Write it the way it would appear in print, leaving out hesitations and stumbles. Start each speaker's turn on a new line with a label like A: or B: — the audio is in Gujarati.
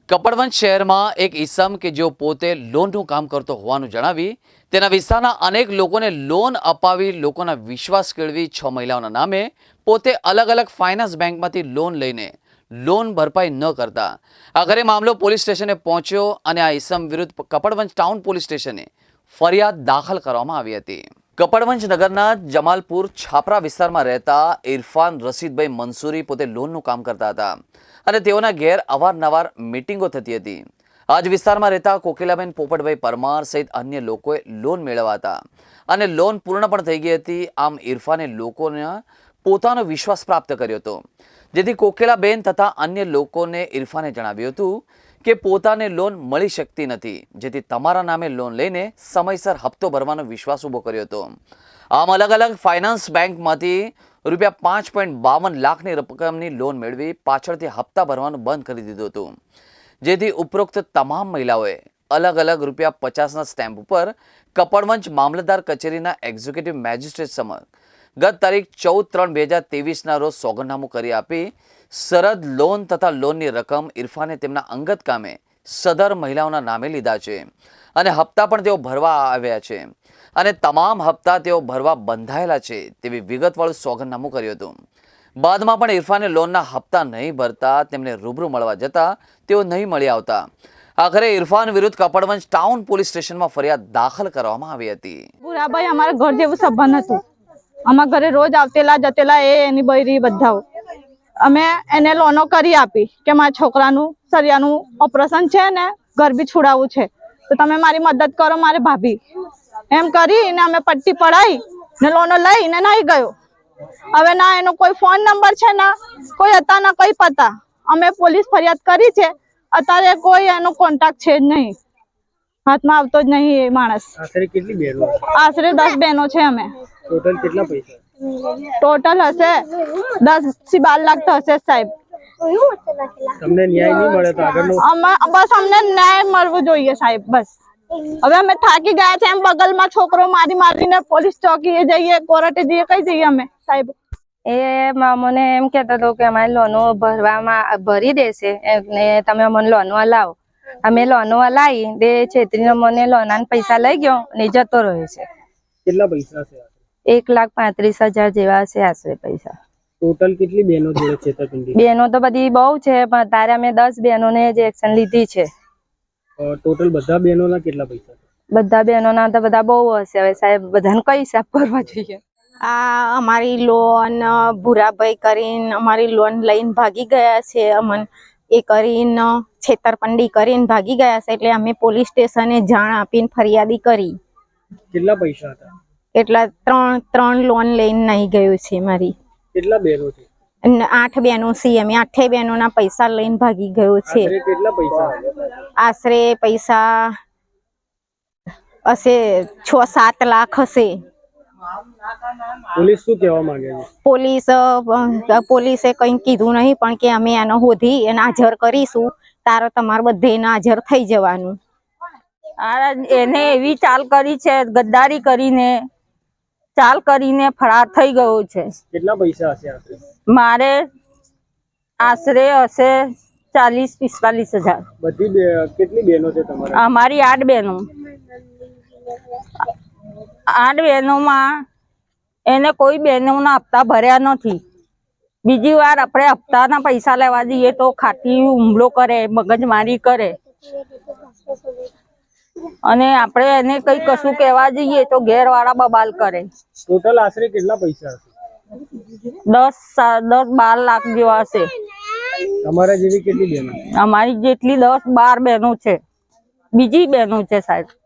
A: કપડવંજ શહેરમાં એક ઈસમ કે જેઓ પોતે લોનનું કામ કરતો હોવાનું જણાવી તેના વિસ્તારના અનેક લોકોને લોન અપાવી લોકોના વિશ્વાસ કેળવી 6 મહિલાઓના નામે પોતે અલગ અલગ ફાઇનાન્સ બેંકમાંથી લોન લઈને લોન ભરપાઈ ન કરતા આખરે મામલો પોલીસ સ્ટેશને પહોંચ્યો અને આ ઈસમ વિરુદ્ધ કપડવંજ ટાઉન પોલીસ સ્ટેશને ફરિયાદ દાખલ કરવામાં આવી હતી। કપડવંજ નગરના જમાલપુર છાપરા વિસ્તારમાં રહેતા ઇરફાન રશીદભાઈ મંસૂરી પોતે લોનનું કામ કરતા હતા અને તેઓના ઘેર અવારનવાર મીટિંગો થતી હતી। આજ વિસ્તારમાં રહેતા કોકિલાબેન પોપટભાઈ પરમાર સહિત અન્ય લોકોએ લોન મેળવ્યા હતા અને લોન પૂર્ણ પણ થઈ ગઈ હતી। આમ ઇરફાને લોકોના પોતાનો વિશ્વાસ પ્રાપ્ત કર્યો હતો, જેથી કોકિલાબેન તથા અન્ય લોકોને ઇરફાને જણાવ્યું હતું કે પોતાને લોન મળી શકતી નથી, જેથી તમારા નામે લોન લઈને સમયસર હપ્તો ભરવાનો વિશ્વાસ ઊભો કર્યો હતો। આમ અલગ અલગ ફાઇનાન્સ બેંકમાંથી રૂપિયા 5.52 લાખની રકમની લોન મેળવી પાછળથી હપ્તા ભરવાનું બંધ કરી દીધું હતું, જેથી ઉપરોક્ત તમામ મહિલાઓએ અલગ અલગ રૂપિયા 50ના સ્ટેમ્પ ઉપર કપડવંજ મામલતદાર કચેરીના એક્ઝિક્યુટિવ મેજિસ્ટ્રેટ સમક્ષ ગત તારીખ 14/3/2023ના રોજ સોગંદનામું કરી આપી સરહદ લોન તથા લોનની રકમ ઇરફાને તેમના અંગત કામે સદર મહિલાઓના નામે લીધા છે અને હપ્તા પણ તેઓ ભરવા આવ્યા છે અને તમામ હપ્તા તેઓ ભરવા બંધાયેલા છે તેવી વિગતવાળું સોગંદનામું કર્યું હતું। બાદમાં પણ ઇરફાને લોનના હપ્તા નહીં ભરતા તેમને રૂબરૂ મળવા જતા તેઓ નહીં મળી આવતા આખરે ઇરફાન વિરુદ્ધ કપડવંજ ટાઉન પોલીસ સ્ટેશનમાં ફરિયાદ દાખલ કરવામાં આવી હતી।
B: ભૂરાભાઈ અમારા ઘર જેવું સંબંધ હતું, અમારા ઘરે રોજ આવતેલા જતેલા એની બૈરી બધા અમે એને લોનો કરી આપી કે મારા છોકરાનું સરિયાનું ઓપરેશન છે ને ઘર બી છોડાવવું છે તો તમે મારી મદદ કરો મારે ભાભી એમ કરીને અમે પટ્ટી પડાઈ ને લોનો લઈને નહીં ગયો। હવે ના એનો કોઈ ફોન નંબર છે ના કોઈ હતા ના કોઈ પતા, અમે પોલીસ ફરિયાદ કરી છે, અત્યારે કોઈ એનો કોન્ટેક્ટ છે જ નહીં, હાથમાં આવતો જ નહીં એ માણસ।
C: આશરે કેટલી બહેનો?
B: આશરે 10 બહેનો છે અમે।
C: ટોટલ કેટલા પૈસા?
B: ટોટલ હશે 10 થી 12 લાખ તો હશે સાહેબ।
C: તમને ન્યાય નહીં મળે તો આગળનો
B: બસ અમને ન્યાય મળવો જોઈએ સાહેબ, બસ હવે અમે થાકી ગયા છે। એમ બગલમાં છોકરો મારીને પોલીસ ચોકીએ જઈએ, કોર્ટે જઈએ, કઈ જઈએ અમે સાહેબ?
D: એ મને એમ કહેતો હતો કે અમારી લોનો ભરી દેશે ને તમે અમને લોનો હલાવો। અમે લોનો હલાવી દે છેતરીને મને લોના પૈસા લઈ ગયો ને જતો રહ્યો છે।
C: કેટલા પૈસા છે?
D: 1,35,000 જેવા છે આશરે પૈસા।
C: ટોટલ કેટલી બહેનો જોડે છેતરપિંડી?
D: બહેનો તો બધી બહુ છે પણ અત્યારે અમે 10 બહેનોને જ એક્શન લીધી છે।
C: ટોટલ બધા બહેનોના કેટલા પૈસા?
D: બધા બહેનોના તો બધા બહુ હશે, હવે સાહેબ બધાને કઈ હિસાબ કરવા જોઈએ?
E: આ અમારી લોન ભૂરાભાઈ કરીને અમારી લોન લઈને ભાગી ગયા છે, અમને એ કરીને છેતરપિંડી કરીને ભાગી ગયા છે, એટલે અમે પોલીસ સ્ટેશને જાણ આપીને ફરિયાદી કરી।
C: કેટલા પૈસા હતા?
E: એટલા ત્રણ લોન લઈને નહીં ગયું છે મારી।
C: કેટલા બહેનો છે?
E: 8 બહેનો છે, અમે 8 બહેનોના પૈસા લઈને ભાગી ગયો છે।
C: આશરે કેટલા પૈસા?
E: આશરે પૈસા હશે 6-7 લાખ હશે।
C: પોલીસ શું કહેવા માંગે છે?
E: પોલીસે કંઈ કીધું નહીં પણ કે અમે એનો શોધી એને હાજર કરીશું, તારે તમારે બધે એને હાજર થઈ જવાનું।
D: એને એવી ચાલ કરી છે, ગદ્દારી કરીને ચાલ કરીને ફરાર થઈ ગયો છે।
C: કેટલા પૈસા હશે આશરે?
D: મારે આશરે હશે 40-45 હજાર।
C: બધી કેટલી બહેનો છે તમારા?
D: અમારી 8 બહેનો। 8 બહેનોમાં એને કોઈ બહેનોના હપ્તા ભર્યા નથી। બીજી વાર આપણે હપ્તાના પૈસા લેવા જઈએ તો ખાટી હુમલો કરે, મગજમારી કરે અને આપણે એને કઈ કશું કહેવા જઈએ તો ઘેરવાળા બબાલ કરે।
C: ટોટલ આશરે કેટલા પૈસા હશે?
D: 10-12 લાખ જેવા હશે।
C: તમારા જેવી કેટલી બહેનો?
D: અમારી જેટલી 10-12 બહેનો છે, બીજી બહેનો છે સાહેબ।